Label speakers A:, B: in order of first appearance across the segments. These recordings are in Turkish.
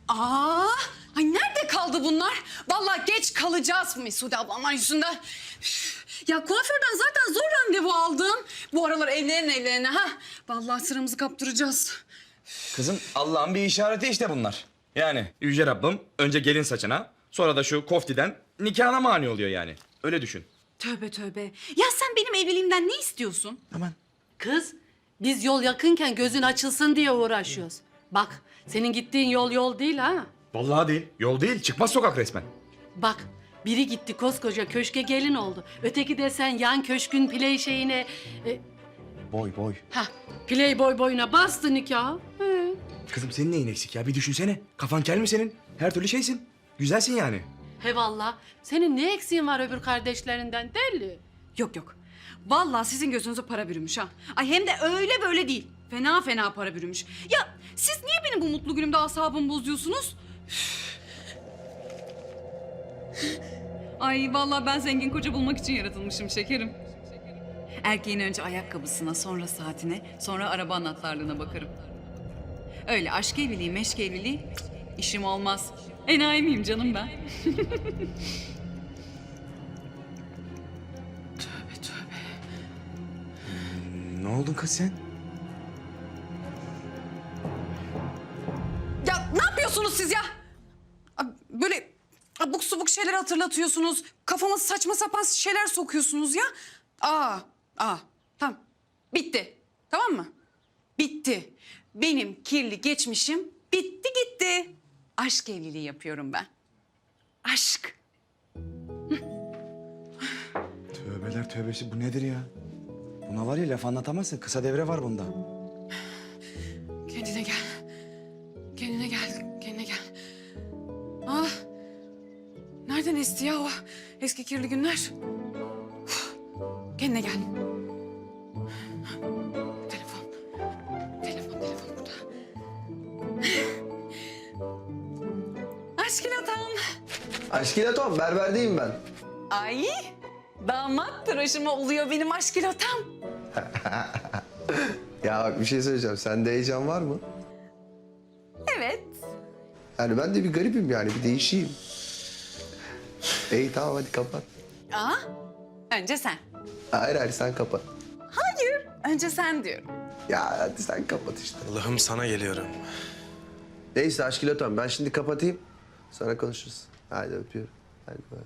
A: Aa, ay nerede kaldı bunlar? Vallahi geç kalacağız Mesude ablamlar yüzünden. Üf, ya kuaförden zaten zor randevu aldım. Bu aralar evlerine ha. Vallahi sıramızı kaptıracağız.
B: Kızım Allah'ın bir işareti işte bunlar. Yani Yüce Rabbim önce gelin saçına, sonra da şu koftiden nikahına mani oluyor yani. Öyle düşün.
A: Tövbe tövbe. Ya sen benim evliliğimden ne istiyorsun?
B: Aman.
C: Kız, biz yol yakınken gözün açılsın diye uğraşıyoruz. Bak, senin gittiğin yol değil ha.
B: Vallahi değil. Yol değil. Çıkmaz sokak resmen.
C: Bak, biri gitti koskoca köşke gelin oldu. Öteki de sen yan köşkün play şeyine...
B: Boy.
C: Playboy boyuna bastı nikahı. He.
B: Kızım senin neyin eksik ya? Bir düşünsene. Kafan kel mi senin? Her türlü şeysin. Güzelsin yani.
C: He valla, senin ne eksiğin var öbür kardeşlerinden deli?
A: Yok. Vallahi sizin gözünüze para bürümüş ha. Ay hem de öyle böyle değil. Fena fena para bürümüş. Ya siz niye benim bu mutlu günümde asabımı bozuyorsunuz? Ay vallahi ben zengin koca bulmak için yaratılmışım şekerim. Erkeğin önce ayakkabısına, sonra saatine, sonra araba anahtarlığına bakarım. Öyle aşk evliliği, meşk evliliği işim olmaz. Enayi miyim canım ben? Tövbe.
B: Ne oldun kız sen?
A: Ya ne yapıyorsunuz siz ya? Böyle abuk subuk şeyler hatırlatıyorsunuz. Kafama saçma sapan şeyler sokuyorsunuz ya. Tamam. Bitti. Tamam mı? Bitti. Benim kirli geçmişim bitti gitti. Aşk evliliği yapıyorum ben. Aşk.
B: Tövbeler tövbesi bu nedir ya? Buna var ya laf anlatamazsın. Kısa devre var bunda.
A: Kendine gel. Kendine gel. Nereden esti ya o eski kirli günler? Kendine gel. Telefon burada. Aşkilatam.
D: Aşkilatom, berberdeyim ben.
A: Ay, damat tıraşıma oluyor benim aşkilatam.
D: Ya bak bir şey söyleyeceğim. Sende heyecan var mı?
A: Evet.
D: Yani ben de bir garibim yani, bir değişeyim. İyi tamam hadi kapat.
A: Önce sen.
D: Hayır sen kapat.
A: Hayır, önce sen diyorum.
D: Ya hadi sen kapat işte.
E: Allah'ım sana geliyorum.
D: Neyse Aşkilatom ben şimdi kapatayım. Sonra konuşuruz. Hadi öpüyorum. Hadi bay.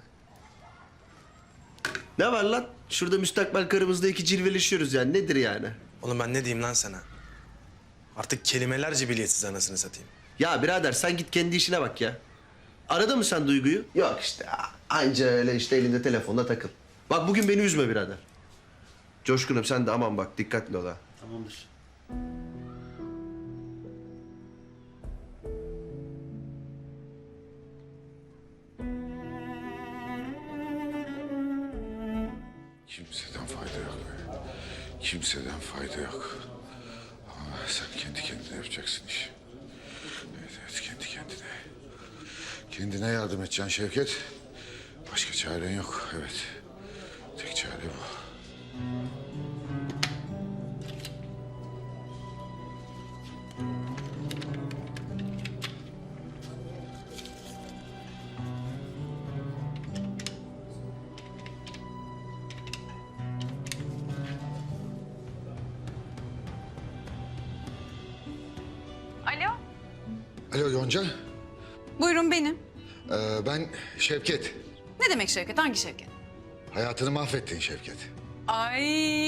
D: Ne var lan? Şurada müstakbel karımızda iki cilveleşiyoruz yani. Nedir yani?
E: Oğlum ben ne diyeyim lan sana? Artık kelimeler cibiliyetsiz anasını satayım.
D: Ya birader sen git kendi işine bak ya. Arada mı sen Duygu'yu? Yok işte anca öyle işte elinde telefonla takıl. Bak bugün beni üzme birader. Coşkun'um sen de aman bak dikkatli ol ha. Tamamdır.
F: Kimseden fayda yok. Kimseden fayda yok. Ama sen kendi kendine yapacaksın işi. Evet, kendi kendine. Kendine yardım edeceksin Şevket. Başka çaren yok, evet. Tek çare bu.
A: Alo.
F: Alo Yonca,
A: Buyurun benim.
F: ben Şevket.
A: Ne demek Şevket? Hangi Şevket?
F: Hayatını mahvettin Şevket.
A: Ay.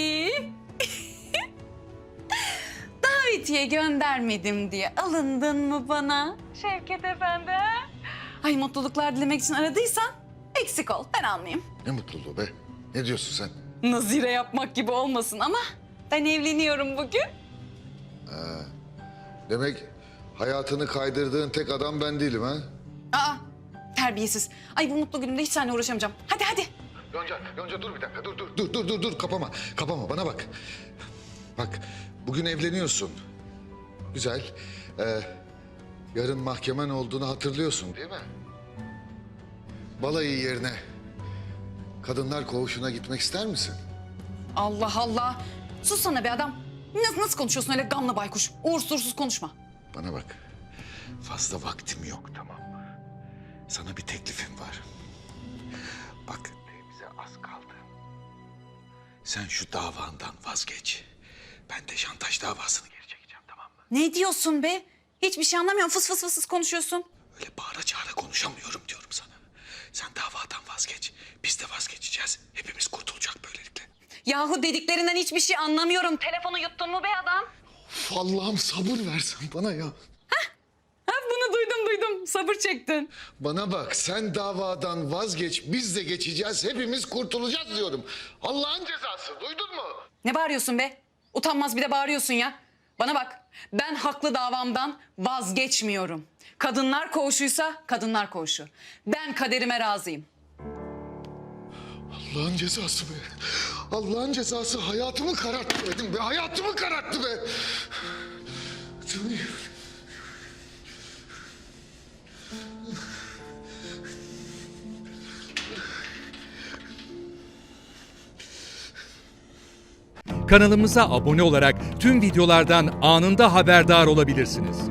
A: Davetiye göndermedim diye alındın mı bana? Şevket Efendi. Ay mutluluklar dilemek için aradıysan eksik ol. Ben almayayım.
F: Ne mutluluğu be. Ne diyorsun sen?
A: Nazire yapmak gibi olmasın ama ben evleniyorum bugün.
F: Demek hayatını kaydırdığın tek adam ben değilim ha?
A: Terbiyesiz. Ay bu mutlu günümde hiç seninle uğraşamayacağım. Hadi.
F: Yonca dur bir dakika. Dur. Kapama bana bak. Bak bugün evleniyorsun. Güzel. Yarın mahkemen olduğunu hatırlıyorsun değil mi? Balayı yerine kadınlar koğuşuna gitmek ister misin?
A: Allah Allah. Sus sana be adam. Nasıl konuşuyorsun öyle gamla baykuş? Uğursuz konuşma.
F: Bana bak. Fazla vaktim yok, tamam mı? Sana bir teklifim var. Bak, bize az kaldı. Sen şu davandan vazgeç. Ben de şantaj davasını geri çekeceğim, tamam mı?
A: Ne diyorsun be? Hiçbir şey anlamıyorum. Fıs fıs fıs fıs konuşuyorsun.
F: Öyle bağıra çağıra konuşamıyorum diyorum sana. Sen davadan vazgeç. Biz de vazgeçeceğiz. Hepimiz kurtulacak böylelikle.
A: Yahu dediklerinden hiçbir şey anlamıyorum. Telefonu yuttun mu be adam?
F: Of, Allah'ım sabır versen bana ya.
A: Ha, bunu duydum. Sabır çektin.
F: Bana bak, sen davadan vazgeç. Biz de geçeceğiz. Hepimiz kurtulacağız diyorum. Allah'ın cezası, duydun mu?
A: Ne bağırıyorsun be? Utanmaz bir de bağırıyorsun ya. Bana bak, ben haklı davamdan vazgeçmiyorum. Kadınlar koğuşuysa kadınlar koğuşu. Ben kaderime razıyım.
F: Allah'ın cezası be. Allah'ın cezası hayatımı kararttı dedim be. Hayatımı kararttı be.
G: Kanalımıza abone olarak tüm videolardan anında haberdar olabilirsiniz.